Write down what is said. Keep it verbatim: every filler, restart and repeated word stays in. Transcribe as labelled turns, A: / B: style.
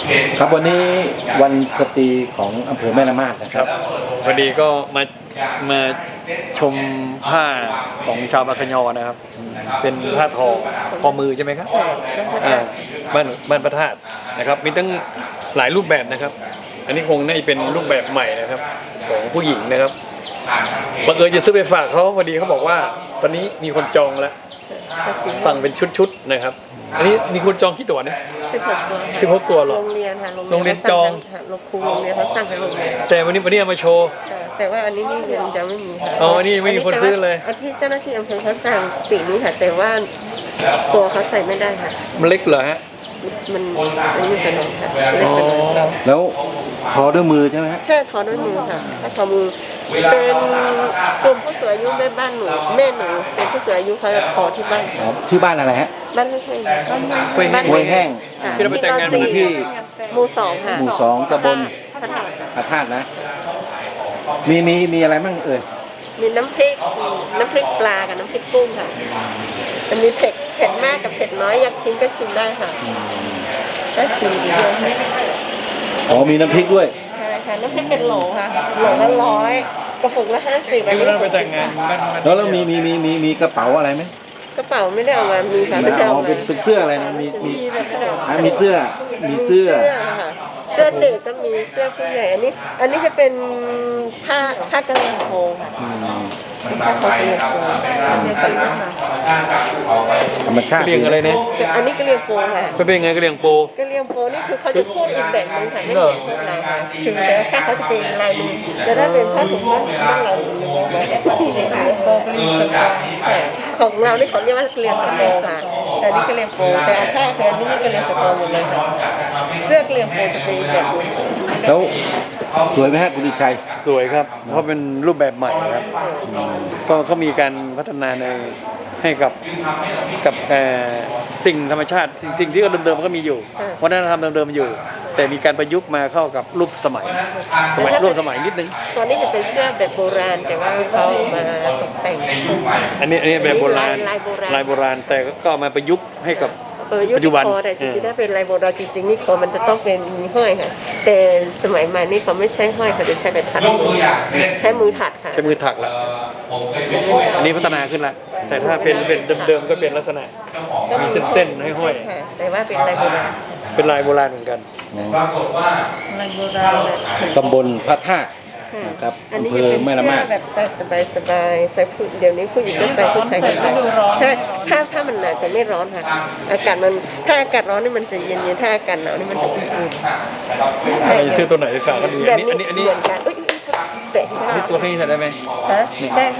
A: ครับวันนี้วันสตรีของอำเภอแม่ละมาดนะครับ
B: พอดีก็มามาชมผ้าของชาวบางขยอนะครับเป็นผ้าทอทอมือใช่ไหมครับอ่าบ้านบ้านพระธาตุนะครับมีตั้งหลายรูปแบบนะครับอันนี้คงน่าจะเป็นรูปแบบใหม่นะครับของผู้หญิงนะครับบังเอิญจะซื้อไปฝากเขาพอดีเขาบอกว่าตอนนี้มีคนจองแล้วสั่งเป็นชุดๆนะครับอันนี้มีคนจองกี่ตัวเนี่ย
C: สิบหกตัว
B: สิบหกตัวหรอ
C: โรงเรียนค่ะ
B: โรงเรียนจอง
C: โรงครูโรงเรียนเขาสั่งให้โรงเรียน
B: แต่วันนี้วันนี้เอามาโชว์
C: แต่ว่าอันนี้นี่ยังยังไม่มีค่ะ
B: อ๋ออันนี้ไม่มีคนซื้อเลย
C: อันที่เจ้าหน้าที่อำเภอเขาสั่งสีนี้ค่ะแต่ว่าตัวเขาใส่ไม่ได้ค่ะ
B: มันเล็กเหรอฮะ
C: มันมันไม่เป็นไรค่ะเล็กเป็นไร
A: แล้วทอด้วยมือใช่ไหมฮะ
C: ใช่ทอด้วยมือค่ะถ้าทอมือเป็นกลุ่มผู้สูงอายุแม่บ้านหนูแม่หนูเป็นผู้สูงอายุเขาจะทอที่บ้าน
A: ที่บ้านอะไรฮะ
C: บ้านห้วยแห้ง
A: ห้วยแห้ง
B: ที่เราไปแต่งงาน
A: มู่ที่
C: หมู่สองค่ะ
A: หมู่สองตำบลพระธาตุนะมีมีมีอะไรบ้างเอ่ย
C: มีน้ำพริกน้ำพริกปลากับน้ำพริกกุ้งค่ะจะมีเผ็ดเผ็ดมากกับเผ็ดน้อยอยากชิมก็ชิมได้ค่ะได้ชิมดีด้วยค่ะ
A: อ๋อมีน้ำพริกด้วย
C: ใช่ค่ะน้ำพริกเป็นโหลค่ะโหลละร้อยกระปุกละห้าสิบ
B: ที่เราไปแต่งงาน
A: แล้วแล้วมีมีมีมีมีกระเป๋าอะไรไหม
C: กระเป๋าไม่ได้เอามามีค่ะไม่ได้เอามา
A: เป็นเป็นเสื้ออะไรนะมีมีมีเสื้อมีเสื้อ
C: ค่ะเสื้อเด็กก็มีเสื้อผู้ใหญ่อันนี้อันนี้จะเป็นผ้าผ้ากระเหรี่ยงโพค่ะผ้าคอกระเหรี่ยงโพเนี่ยค่ะ
A: ธรรมชาติ
B: กระเหรี่ยงอะไรเนี่ย
C: อันนี้กระเหรี่ยงโพค่ะ
B: เป็นไงกระเหรี่ยงโพ
C: กระเหรี่ยงโพนี่คือเขาจะพูดอีกแบบนึงค่ะไม่เหมือนพวกเราค่ะถึงแม้แค่เขาจะเป็นลายมือแต่ถ้าเป็นผ้าถุงบ้านบ้านเราเนี่ยของเรานี่เขาเรียกว่ากระเหรี่ยงสโตค่ะแต่นี่กระเหรี่ยงโพแต่ผ้าแค่นี้กระเหรี่ยงสโตหมดเลยค่ะเสื้อกระเหรี่ยงโพจะเป็นแบบนี้
A: แล้วสวยไหมฮะคุณดิชัย
B: สวยครับเพราะเป็นรูปแบบใหม่ครับก็เขามีการพัฒนาในให้กับกับสิ่งธรรมชาติสิ่งที่เดิมๆก็มีอยู่วัฒนธรรมเดิมๆอยู่แต่มีการประยุกต์มาเข้ากับรูปสมัยสมัยรูปสมัยนิดนึง
C: ตอนนี้จะเป็นเสื้อแบบโบราณแต่ว่าเขามาตกแต่ง
B: อันนี้อันนี้แบบโบราณลายโบราณแต่ก็มาประยุกต์ให้กับปัจจุบัน
C: แต่จริงๆถ้าเป็นลายโบราณจริงๆนี่คอมันจะต้องเป็นมีห้อยค่ะแต่สมัยใหม่นี่เขาไม่ใช้ห้อยเขาจะใช้แบบถักใช้มือถักค่ะ
B: ใช้มือถักแล้วอันนี้พัฒนาขึ้นแล้วแต่ถ้าเป็นเป็นเดิมๆก็เป็นลักษณะมีเส้นๆให้ห้อย
C: แต่ว่าเป็นลายโบราณ
B: เป็นลายโบราณเหมือนกัน
C: ปรากฏว่าลายโบราณ
A: ตำบลพระธาตุนะครับอำเภอแม่ละมาด
C: แบบใส่สบายๆใส่ผู้เดี๋ยวนี้ผู้หญิงก็ใส่ผู้ชายก็ใส่ใช่ผ้าผ้ามันหนาแต่ไม่ร้อนค่ะอากาศมันถ้าอากาศร้อนนี่มันจะเย็นๆถ้าอากาศหนาวนี่มันจะอุ่น
B: ๆอันนี้ซื้อตัวไหนฝากก็ดีอันนี้อันนี้อันนี้
C: อันนี้
B: ตัวนี้ใส่ได้ไหม
C: ฮะได้